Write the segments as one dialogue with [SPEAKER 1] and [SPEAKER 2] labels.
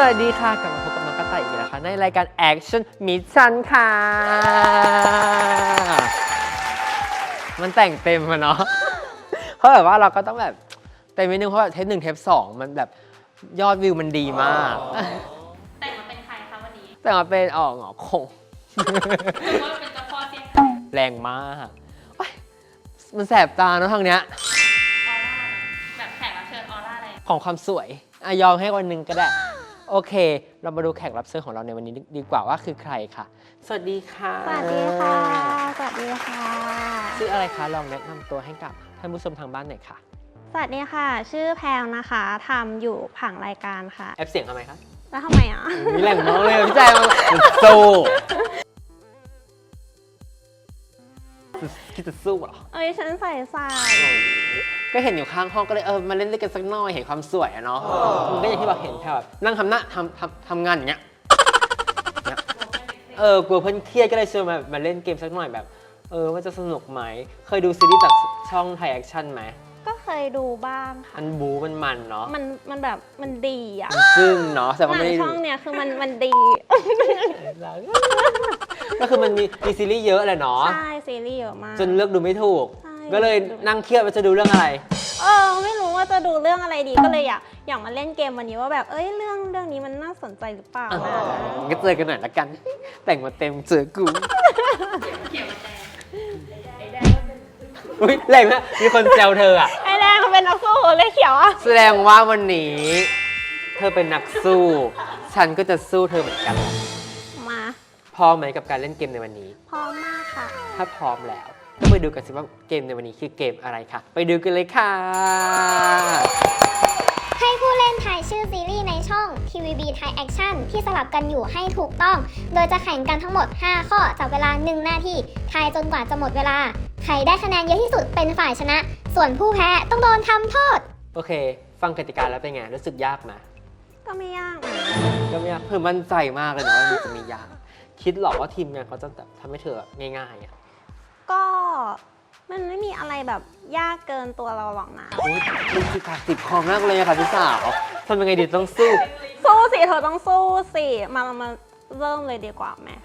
[SPEAKER 1] วัสดีค่ะกลับมาพบกับน้องกระต่ายอีกแล้วนะคะในรายการ Action Mission ค่ะมันแต่งเต็มอะเนาะเพราะแบบว่าเราก็ต้องแบบเต็มนิดนึงเพราะแบบเทป 1 เทป 2มันแบบยอดวิวมันดีมาก
[SPEAKER 2] แต่งมาเป็นใครคะวันนี้
[SPEAKER 1] แต่งมาเป็นหงอคง
[SPEAKER 2] หรือว่าเป็นเจ้าพ่อเสียง
[SPEAKER 1] แรงมากมันแสบตาเนาะทางเนี้ย
[SPEAKER 2] ออร่าแบบแขกรับเชิญออร่าอะไร
[SPEAKER 1] ของความสวยยอมให้วันนึงก็ได้โอเคเรามาดูแขกรับเชิญของเราในวันนี้ดีกว่าว่าคือใครค่ะสวัสดีค่ะ
[SPEAKER 3] สวัสดีค่ะสวัสดีค่ะ
[SPEAKER 1] ชื่ออะไรคะลองแนะนำตัวให้กับท่านผู้ชมทางบ้านหน่อยค่ะ
[SPEAKER 3] สวัสดีค่ะชื่อแพงนะคะทำอยู่ผังรายการค่ะ
[SPEAKER 1] แอปเสียงทำไมคะ
[SPEAKER 3] แล้วทำไมอ่ะ
[SPEAKER 1] มีแหล่งน้องเลยพี่แจ๊มันสู้คิดจะสู้เหรอ
[SPEAKER 3] ฉันใส่
[SPEAKER 1] ก็เห็นอยู่ข้างห้องก็เลยมาเล่นด้วยกันสักหน่อยเห็นความสวยอะเนาะมันก็อย่างที่เราเห็นแค่แบบนั่งทำงานอย่างเงี้ยกลัวเพื่อนเครียดก็เลยชวนมาเล่นเกมสักหน่อยแบบว่าจะสนุกไหมเคยดูซีรีส์จากช่องไทยแอคชั่นไหม
[SPEAKER 3] ก็เคยดูบ้างค่ะ
[SPEAKER 1] มันบู๊มันเนาะ
[SPEAKER 3] มันแบบมันดีอ่ะ
[SPEAKER 1] ซึ่งเนาะแต่ว่าไม่ได้
[SPEAKER 3] ช่องเนี้ยคือมันดี
[SPEAKER 1] ก็คือมันมีซีรีส์เยอะเลยเนาะ
[SPEAKER 3] ใช่ซีรีส์เยอะมาก
[SPEAKER 1] จนเลือกดูไม่ถูกก็เลยนั่งเครียดว่าจะดูเรื่องอะไร
[SPEAKER 3] ไม่รู้ว่าจะดูเรื่องอะไรดีก็เลยอยากมาเล่นเกมวันนี้ว่าแบบเรื่องนี้มันน่าสนใจหรือเปล่านะ
[SPEAKER 1] ก็เจอกันหน่อยละกันแต่งมาเต็มเจอกู
[SPEAKER 2] เขียวแดงไอ้แดง
[SPEAKER 1] อุ้ยแรงนะมีคนแซวเธออะ
[SPEAKER 3] ไอ้แดงเขาเป็นนักสู้เลยเขียวอะ
[SPEAKER 1] แสดงว่าวันนี้เธอเป็นนักสู้ฉันก็จะสู้เธอเหมือนกัน
[SPEAKER 3] มา
[SPEAKER 1] พร้อมไหมกับการเล่นเกมในวันนี้
[SPEAKER 3] พร้อมมากค่ะ
[SPEAKER 1] ถ้าพร้อมแล้วก็ไปดูกันสิว่าเกมในวันนี้คือเกมอะไรค่ะไปดูกันเลยค่ะ
[SPEAKER 4] ให้ผู้เล่นทายชื่อซีรีส์ในช่อง TVB Thai Action ที่สลับกันอยู่ให้ถูกต้อง โดยจะแข่งกันทั้งหมด 5 ข้อจับเวลา 1 นาทีทายจนกว่าจะหมดเวลาใครได้คะแนนเยอะที่สุดเป็นฝ่ายชนะ ส่วนผู้แพ้ต้องโดนทำโทษ
[SPEAKER 1] โอเคฟังกติกาแล้วเป็นไงรู้สึกยากไหม
[SPEAKER 3] ก็ไม่ยาก
[SPEAKER 1] ก็ไม่ยากเพิ่มมั่นใจมากเลยนะว่ามันจะมียากคิดหรอว่าทีมงานเขาจะแบบทำให้เธอง่ายๆอ่ะ
[SPEAKER 3] ก็มันไม่มีอะไรแบบยากเกินตัวเราหรอกนะ
[SPEAKER 1] มันคือการติดคอมากเลยค่ะพี่สาวทำยังไงดีต้องสู้
[SPEAKER 3] สิเธอต้องสู้สิมาเริ่มเลยดีกว่าไหม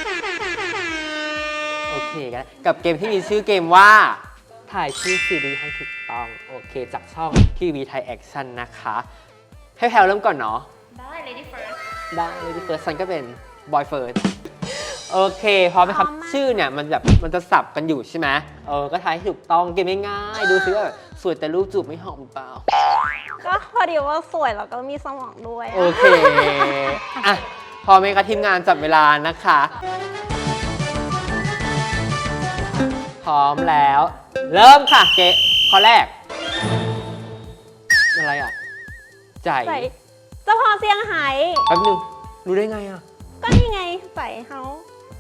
[SPEAKER 1] โอเคกันกับเกมที่มีชื่อเกมว่าถ่ายชื่อซีรีส์ให้ถูกต้องโอเคจากช่อง TV Thai Action นะคะให้แพลวเริ่มก่อนเนาะ
[SPEAKER 2] ได้ Lady First
[SPEAKER 1] ได้ Lady First ฉันก็เป็น Boy First โอเคพร้อมไหมครับชื่อเนี่ยมันจะสับกันอยู่ใช่ไหมก็ทายให้ถูกต้องเกมง่ายๆดูซิว่าสวยแต่รูปจูบไม่หอมเปล่า
[SPEAKER 3] ก็พอดีว่าสวยแล้วก็มีสมองด้วย
[SPEAKER 1] โอเคอ่ะพอไหมคะทีมงานจับเวลานะคะพร้อมแล้วเริ่มค่ะเกะข้อแรกอะไรอ่ะใจ
[SPEAKER 3] เจ้าพ่อเซี่ยงไฮ้
[SPEAKER 1] แป๊บนึงรู้ได้ไงอ่ะ
[SPEAKER 3] ก็นี่ไงใส่เฮา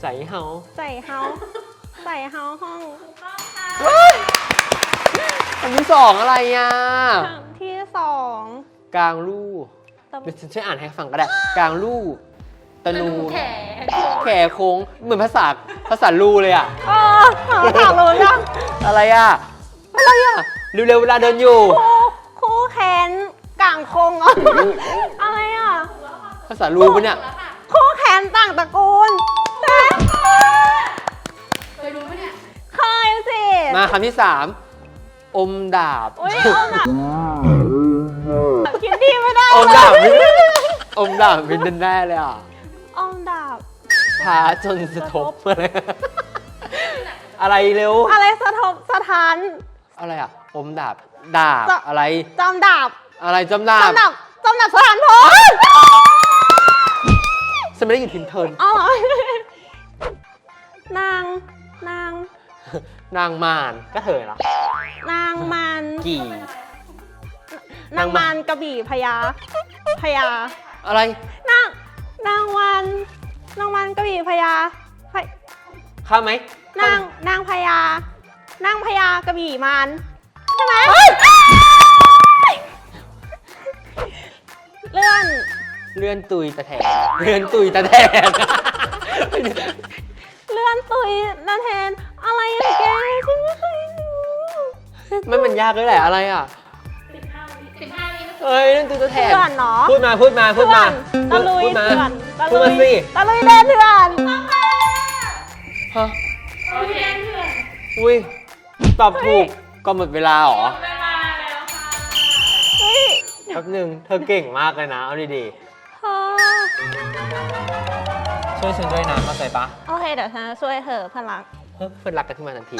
[SPEAKER 3] ห้อง
[SPEAKER 1] อันที่สองอะไรอ่ะ
[SPEAKER 3] ที่สอง
[SPEAKER 1] กลางลู่เดี๋ยวฉันช่วยอ่านให้ฟังก็ได้กลางลู่ตะนูแขโค้งเหมือนภาษาลู่เลยอ่ะ
[SPEAKER 3] ภาษาลู่ยัง
[SPEAKER 1] อะไรอ่ะเร็วๆเวลาเดินอยู่
[SPEAKER 3] คู่แขนกลางโค้งอะไรอ่ะ
[SPEAKER 1] ภาษาลู่ปะเนี่ย
[SPEAKER 3] คู่แขนต่างตระกูล
[SPEAKER 2] เคยรู้ไหมเนี่ย
[SPEAKER 3] เคยสิ
[SPEAKER 1] มาคำที่3อมดาบ
[SPEAKER 3] อมดาบคิดดีไม่ได้
[SPEAKER 1] อมดาบเป็นแน่เลยอ่ะ
[SPEAKER 3] อมดาบ
[SPEAKER 1] พาจนสะทบอะไรเร็ว
[SPEAKER 3] อะไรสะทบสะท้าน
[SPEAKER 1] อะไรอ่ะอมดาบอะไร
[SPEAKER 3] จำดาบ
[SPEAKER 1] อะไรจำดาบ
[SPEAKER 3] สถานพล
[SPEAKER 1] ฉันไม่ได้อยู่ทินเทิร์น
[SPEAKER 3] นาง
[SPEAKER 1] มารก็เถอะเหร
[SPEAKER 3] อนางมาร
[SPEAKER 1] กี่
[SPEAKER 3] นางมารกระบี่พญา
[SPEAKER 1] อะไร
[SPEAKER 3] นางวันกระบี่พญา
[SPEAKER 1] ข้ามไหม
[SPEAKER 3] นางพญากระบี่มารใช่ไหมเ
[SPEAKER 1] ลื่อนตุยตะแทนเลื่อนตุยตะแทน
[SPEAKER 3] อะไรอะแกฉันไม่เคยรู้
[SPEAKER 1] มันยากเลยแหละอะไรอ่ะ
[SPEAKER 2] 15 วิก็
[SPEAKER 1] เอ้ยนั่นคือตัวแทน
[SPEAKER 3] เถื่อนเนาะ
[SPEAKER 1] พูดมา
[SPEAKER 3] ตะลุย
[SPEAKER 1] พูดมา
[SPEAKER 3] เถื่อนตะ
[SPEAKER 1] พูด
[SPEAKER 3] ลุ
[SPEAKER 1] มาย สิ
[SPEAKER 3] ตะลุยเดินเถื่อน
[SPEAKER 1] ฮะ
[SPEAKER 2] โอเคเพื่อน
[SPEAKER 1] อุ้ยตอบถูกก็หมดเวลาเหรอ
[SPEAKER 2] เวลาแล้วค่ะ
[SPEAKER 3] เฮ้ย
[SPEAKER 1] แป๊บนึงเธอเก่งมากเลยนะ เอาดี
[SPEAKER 3] เธอ
[SPEAKER 1] ๆช่วยฉันด้วยนะเข้าใจปะ
[SPEAKER 3] โอเคเดี๋ยวฉันจะช่วยเธอพลัง
[SPEAKER 1] เฮ้ยเพื่อนรักกันขึ้นมาทันที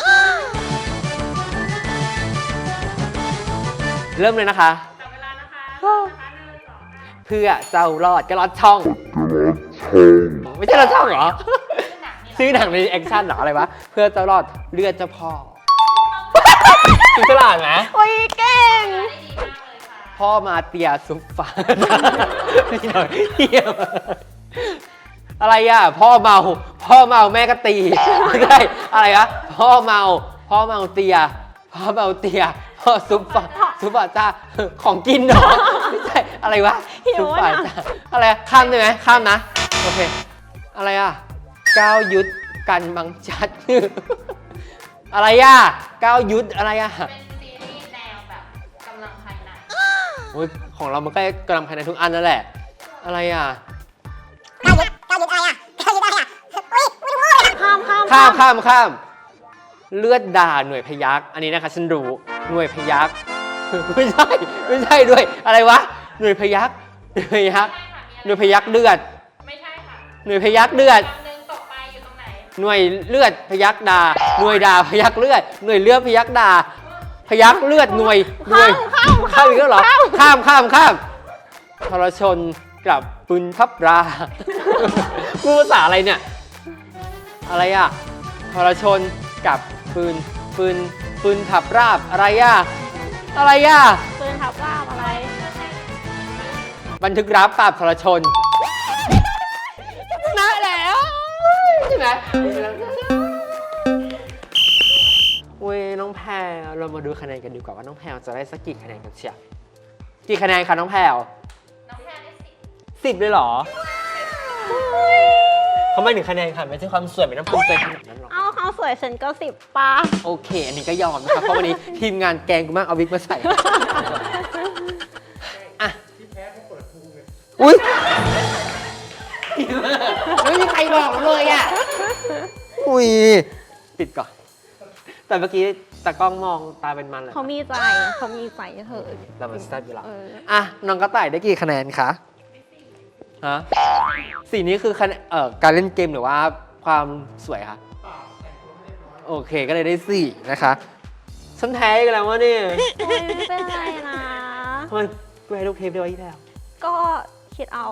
[SPEAKER 1] เริ่มเลยนะคะ
[SPEAKER 2] จับเวลานะคะนะคะ1 2
[SPEAKER 1] เพื่อเจ้ารอดก็รอดช่อง ไม่ใช่รอดช่องเหรอ ชื่อหนังในแอคชั่นเหรออะไรวะ เพื่อเจ้ารอดเลือดเจ้าพ่อคือฉลาดไหม
[SPEAKER 3] โอ้ยเก่ง
[SPEAKER 2] ได้ดีมากเลยค่ะ
[SPEAKER 1] พ่อมาเตียซุปฟ้าพี่หน่อยเทียมอะไรอ่ะ พ่อเมาแม่ก็ตีไม่ใช่อะไรอะพ่อเมาเตียพ่อซุปฟ้าจ้าของกินเนาะไม่ใช่อะไรวะซุปฟ้าจ้าอะไรอะข้ามได้ไหมข้ามนะโอเคอะไรอ่ะก้าวยุทธกันบังชัด อะไรอ่ะก้าวยุทธอะไรอ่ะ
[SPEAKER 2] เป็นซีรีส์แนวแบบกำลังภายใน
[SPEAKER 1] โอ้ยของเรามันก็กำลังภายในทุกอันนั่นแหละ อะไรอ่ะ
[SPEAKER 3] ข้าม
[SPEAKER 1] เลือดด่าหน่วยพยักอันนี้นะคะฉันรู้หน่วยพยัก ไม่ใช่ด้วย อะไรวะ หน่วยพยักเลือด
[SPEAKER 2] ไม่ใช่ค่ะ
[SPEAKER 1] หน่วยพยักเลือด
[SPEAKER 2] ไม่ใช่ค่ะ
[SPEAKER 1] หน่วยพยักเลือด
[SPEAKER 2] คำหนึ่งตกไปอยู่ตรงไหน
[SPEAKER 1] หน่วยเลือดพยักด่าหน่วยด่าพยักเลือด หน่วยเลือดพยักด่าพยักเลือดหน่วยข้ามอีกแล้วเหรอ ข้ามทรชนกับปืนทับรา พูดภาษาอะไรเนี่ย อะไรอ่ะทรชนกับปืนทับราบอะไรอ่ะ
[SPEAKER 3] ปืนทับลาบอะไร
[SPEAKER 1] บันทึกรับปราบทรชนชนะแล้วใช่ไหมเว้ยน้องแพรเรามาดูคะแนนกันดีกว่าว่าน้องแพรจะได้สักกี่คะแนนกันเชียวกี่คะแนนคะน้องแพร
[SPEAKER 2] น้องแพรได้10
[SPEAKER 1] 10เลยเหรอเขาไม่ถึงคะแนนค่ะไม่ใช่ความสวยไม่ต้องภูมิใจขนาดนั้นหรอก
[SPEAKER 3] เอาเขาสวยฉันก็10ป่ะ
[SPEAKER 1] โอเค อันนี้ก็ยอมนะครับเพราะวันนี้ทีมงานแกงกูมากเอาวิกมาใส่อ่ะอุ้ยไม่มีใครบอกเลยอ่ะอุ้ยปิดก่อน แต่เมื่อกี้ตากล้องมองตาเป็นมันเลย
[SPEAKER 3] เขามีใจเธอ
[SPEAKER 1] เรามันแซ่บอยู่แล้ว
[SPEAKER 3] เออ
[SPEAKER 1] อ่ะน้องกระต่ายได้กี่คะแนนคะฮะ4นี้คือคะแนนการเล่นเกมหรือว่าความสวยคะโอเคก็เลยได้4นะคะฉันแพ้กันแล้ววะเนี่ย
[SPEAKER 3] โอ้ยไม่เป็นไรนะ
[SPEAKER 1] ทำไมกูให้ลูกเทปได้ไว้ที่แล้ว
[SPEAKER 3] ก็คิดเอา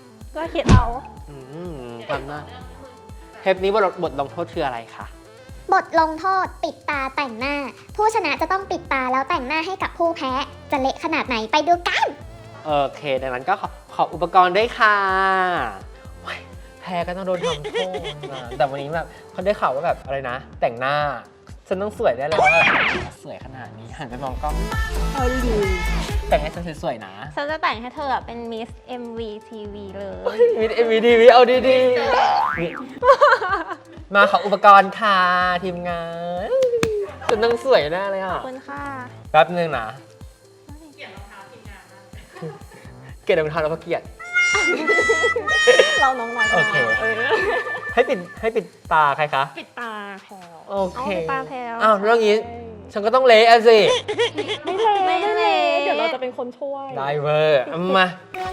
[SPEAKER 1] ทำหน้าเทปนี้บทลงโทษคืออะไรคะ
[SPEAKER 4] บทลงโทษปิดตาแต่งหน้า ผู้ชนะจะต้องปิดตาแล้วแต่งหน้าให้กับผู้แพ้ จะเละขนาดไหนไปดูกัน
[SPEAKER 1] โอเคดังนั้นก็ขออุปกรณ์ด้วยค่ะโอ๊ยแพ้ก็ต้องโดนทำโทษมาแต่วันนี้แบบเขาได้ข่าวว่าแบบอะไรนะ แต่งหน้าฉันต้องสวยได้แล้วว่าสวยขนาดนี้หันไปมองกล้องแต่งให้ฉันสวยๆนะ
[SPEAKER 3] ฉันจะแต่งให้เธอเป็นมิส MVTV เลย
[SPEAKER 1] มีเอ็มวีดีวีเอาดีๆมาขออุปกรณ์ค่ะทีมงานฉันต้องสวยแน่เลย
[SPEAKER 3] ข
[SPEAKER 1] อ่ะ
[SPEAKER 3] อบคุณค่ะ
[SPEAKER 1] แป๊บนึงนะ
[SPEAKER 2] เกี่ยวรองเท้าทีมงานมาก
[SPEAKER 1] เกลียดรองเท้าแล้วก็เกลียด
[SPEAKER 3] เราน้องหน่อย
[SPEAKER 1] โอเค ให้ปิดตาใครคะ
[SPEAKER 3] ปิดตาแพลว
[SPEAKER 1] โอเค
[SPEAKER 3] าปิดตาแพลว
[SPEAKER 1] อ้าวแล้วงี้ฉันก็ต้องเละอะสิ
[SPEAKER 3] ไม่เละ
[SPEAKER 5] เดี๋ยวเราจะเป็นคนช่วย
[SPEAKER 1] ได้เวอร์เอามา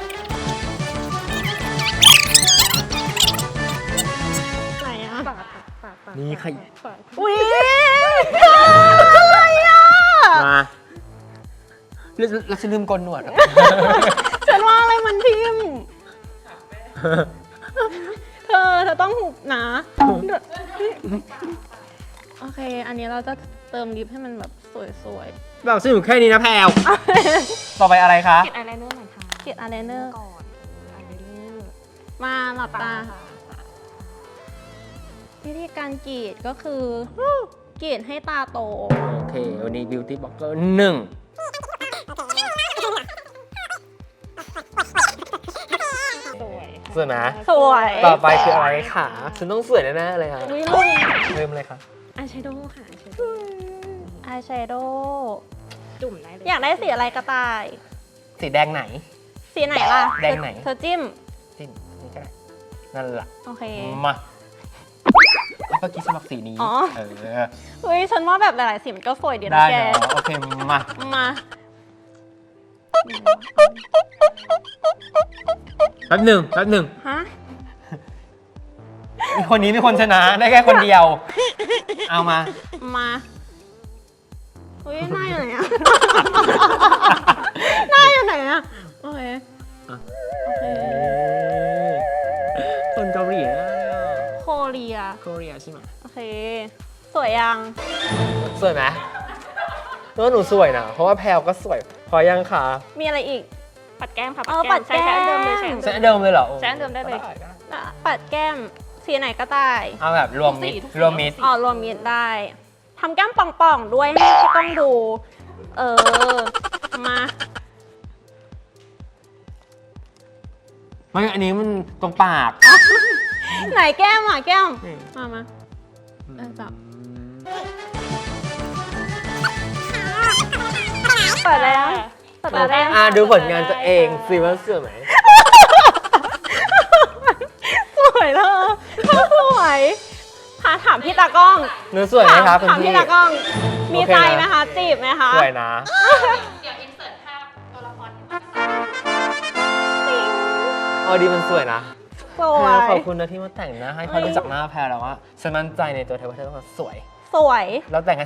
[SPEAKER 3] ไหนอะ
[SPEAKER 1] นี่ใคร
[SPEAKER 3] อุ้ย
[SPEAKER 1] มาแล้วฉันลืมโกนหนวดอะ
[SPEAKER 3] ฉันว่าอะไรมันทิ่มเธอต้องหุบนะโอเค อันนี้เราจะเติมลิปให้มันแบบสวย
[SPEAKER 1] บอกฉันอยู่แค่นี้นะแพลวต่อไปอะไรคะ
[SPEAKER 5] เก็บอายไลเนอร์หน่อยค่ะ
[SPEAKER 3] ๆเกลียดอายไลเนอร์
[SPEAKER 5] ก่อนอายไลเนอร์
[SPEAKER 3] มาหลับตา
[SPEAKER 5] ค่ะ
[SPEAKER 3] วิธีการกรีดก็คือกรีดให้ตาโต
[SPEAKER 1] โอเค วันนี้ Beauty Blogger 1สวยไหม
[SPEAKER 3] สวย
[SPEAKER 1] ต่อไปคืออะไรคะฉันต้องสวยแน่ๆเลยค่ะ
[SPEAKER 3] วิลุง
[SPEAKER 1] เริ่มเลยค่ะ
[SPEAKER 5] อายแชโดว์ค่ะอายแชโดว์
[SPEAKER 3] อายแชโดว์
[SPEAKER 5] จุ่มได้เลย
[SPEAKER 3] อยากได้สีอะไรก็ตาย
[SPEAKER 1] สีแดงไหน
[SPEAKER 3] สีไหนล่ะ
[SPEAKER 1] แดงไหน
[SPEAKER 3] เธอจิ้ม
[SPEAKER 1] จิ้มนี่ก็ได้นั่นแหละ
[SPEAKER 3] โอเค
[SPEAKER 1] มาเมื่อกี้ฉันบอกสีนี้
[SPEAKER 3] อ๋อ
[SPEAKER 1] เออ
[SPEAKER 3] เฮ้ยฉันว่าแบบหลายๆสีมันก็สวยดีนะ
[SPEAKER 1] ได้
[SPEAKER 3] แก
[SPEAKER 1] เนาะโอเคมา
[SPEAKER 3] มา
[SPEAKER 1] แป๊บหนึ่ง
[SPEAKER 3] ฮะ
[SPEAKER 1] มีคนนี้มีคนชนะได้แค่คนเดียว เอามา
[SPEAKER 3] มาเฮ้ยหน้าอยู่ไหนอะ หน้าอยู่ไหนอะโอเค
[SPEAKER 1] อ่ะ
[SPEAKER 3] โอเค
[SPEAKER 1] คนเกาหลีนะ
[SPEAKER 3] โคเรีย
[SPEAKER 1] เกาหลีใช่ไหม
[SPEAKER 3] โอเค สวยยัง
[SPEAKER 1] สวยไหมว่าหนูสวยนะ เพราะว่าแพลวก็สวย พอยังคะ
[SPEAKER 3] มีอะไรอีก
[SPEAKER 5] ปัดแก้มค่ะ
[SPEAKER 3] อ๋อปัดแก้ม
[SPEAKER 5] ใช้อันเดิมเลย
[SPEAKER 1] ใช้อันเดิมเลยเหรอ
[SPEAKER 5] ใช้อันเดิมได้เลย
[SPEAKER 3] อ่ะปัดแก้ม สีไหนก็ได้
[SPEAKER 1] เอาแบบรวมมิด
[SPEAKER 5] ทุกสี
[SPEAKER 1] รวมมิด
[SPEAKER 3] อ๋อรวมมิตรได้ทำแก้มป่องๆด้วยให้พี่ต้องดู มา
[SPEAKER 1] ไม่อันนี้มันตรงปาก
[SPEAKER 3] ไหนแก้มอ่ะแก้ม
[SPEAKER 1] นี่
[SPEAKER 3] มา จับ เปิดแล้วเปิดแล้ว
[SPEAKER 1] ดูผลงานตัวเองสิว่าสวยไหม
[SPEAKER 3] สวยเลยสวยถามพี่ตากล้อง
[SPEAKER 1] หนูสวยไหมครับคุณ
[SPEAKER 3] ถาม
[SPEAKER 1] พี่
[SPEAKER 3] พี่ตากล้อง มี
[SPEAKER 1] โอเค
[SPEAKER 3] ใจ
[SPEAKER 1] นะ
[SPEAKER 3] ไหมคะ จีบไหมคะ
[SPEAKER 1] สวยนะ
[SPEAKER 2] เดี๋ยวอินเสิร์ตภาพตัวละคร
[SPEAKER 1] เอาดีมันสวยนะ
[SPEAKER 3] สวย
[SPEAKER 1] ขอบคุณนะที่มาแต่งหน้าให้พอรู้จักหน้าแพรแล้วว่าฉันมั่นใจในตัวเธอว่าเธอต้องสวย
[SPEAKER 3] สวย
[SPEAKER 1] แล้วแต่งให้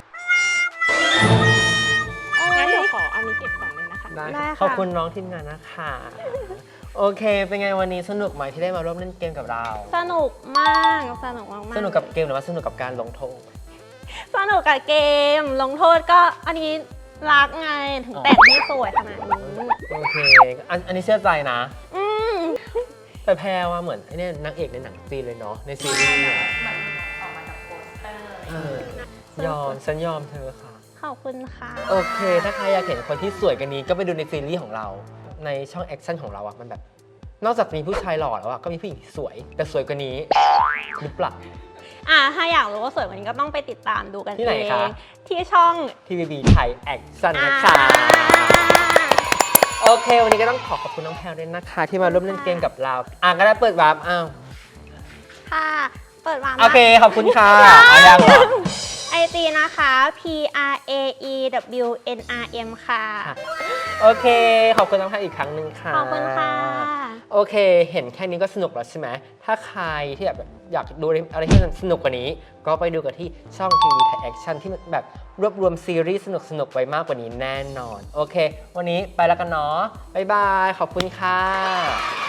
[SPEAKER 5] งั้นเดี๋ยวขออันนี้เก็บก่อนเลยนะคะ
[SPEAKER 1] ได้
[SPEAKER 3] ได้ค่ะ
[SPEAKER 1] ขอบคุณน้องทีมงานนะคะ โอเค เป็นไงวันนี้สนุกไหมที่ได้มาร่วมเล่นเกมกับเรา
[SPEAKER 3] สนุกมาก สนุกมากๆ
[SPEAKER 1] สนุกกับเกมหรือว่าสนุกกับการลงโทษ
[SPEAKER 3] สนุกกับเกม ลงโทษก็อันนี้รักไง ถึงแต่งให้สวยขนาดนี้
[SPEAKER 1] โอเค อันนี้เชื่อใจนะ
[SPEAKER 3] อืม
[SPEAKER 1] แต่แพรว่าเหมือนไอ้เนี่ยนางเอกในหนังจีนเลยเนาะ ในซีรีส์เนี่ย
[SPEAKER 2] เหมือนออกมาจากโปสเตอร์
[SPEAKER 1] ยอม ฉันยอมเธอค่ะ
[SPEAKER 3] ขอบคุณค่ะ
[SPEAKER 1] โอเค ถ้าใครอยากเห็นคนที่สวยกันนี้ก็ไปดูในซีรีส์ของเรา ในช่องแอคชั่นของเราอะมันแบบ นอกจากมีผู้ชายหล่อแล้วอะก็มีผู้หญิงที่สวย แต่สวยกว่านี้หรือเปล่า
[SPEAKER 3] ถ้าอยากรู้ว่าสวยกว่านี้ก็ต้องไปติดตามดูกัน
[SPEAKER 1] ที่ไหน
[SPEAKER 3] เอง
[SPEAKER 1] คะ
[SPEAKER 3] ที่ช่อง
[SPEAKER 1] TVB ไทยแอคชั่นนะคะ โอเค วันนี้ก็ต้องขอบคุณน้องแพลวด้วยนะคะ ที่มาร่วมเล่นเกมกับเรา ก็ได้เปิดวาร์ปอ้าว
[SPEAKER 3] ค่ะ เปิดวาง
[SPEAKER 1] โอเค ขอบคุณค่ะเอายังเหรอ
[SPEAKER 3] ไอจีนะคะ PRAEWNRM ค่ะ
[SPEAKER 1] โอเค ขอบคุณน้องแพลวอีกครั้งหนึ่งค่ะ
[SPEAKER 3] ขอบคุณค่ะ
[SPEAKER 1] โอเค เห็นแค่นี้ก็สนุกแล้วใช่ไหม ถ้าใครที่แบบอยากดูอะไรที่มันสนุกกว่านี้ ก็ไปดูกันที่ช่อง TV Thai Action ที่มันแบบรวบรวมซีรีส์สนุกๆไว้มากกว่านี้แน่นอน โอเค วันนี้ไปแล้วกันเนาะ บ๊ายบาย ขอบคุณค่ะ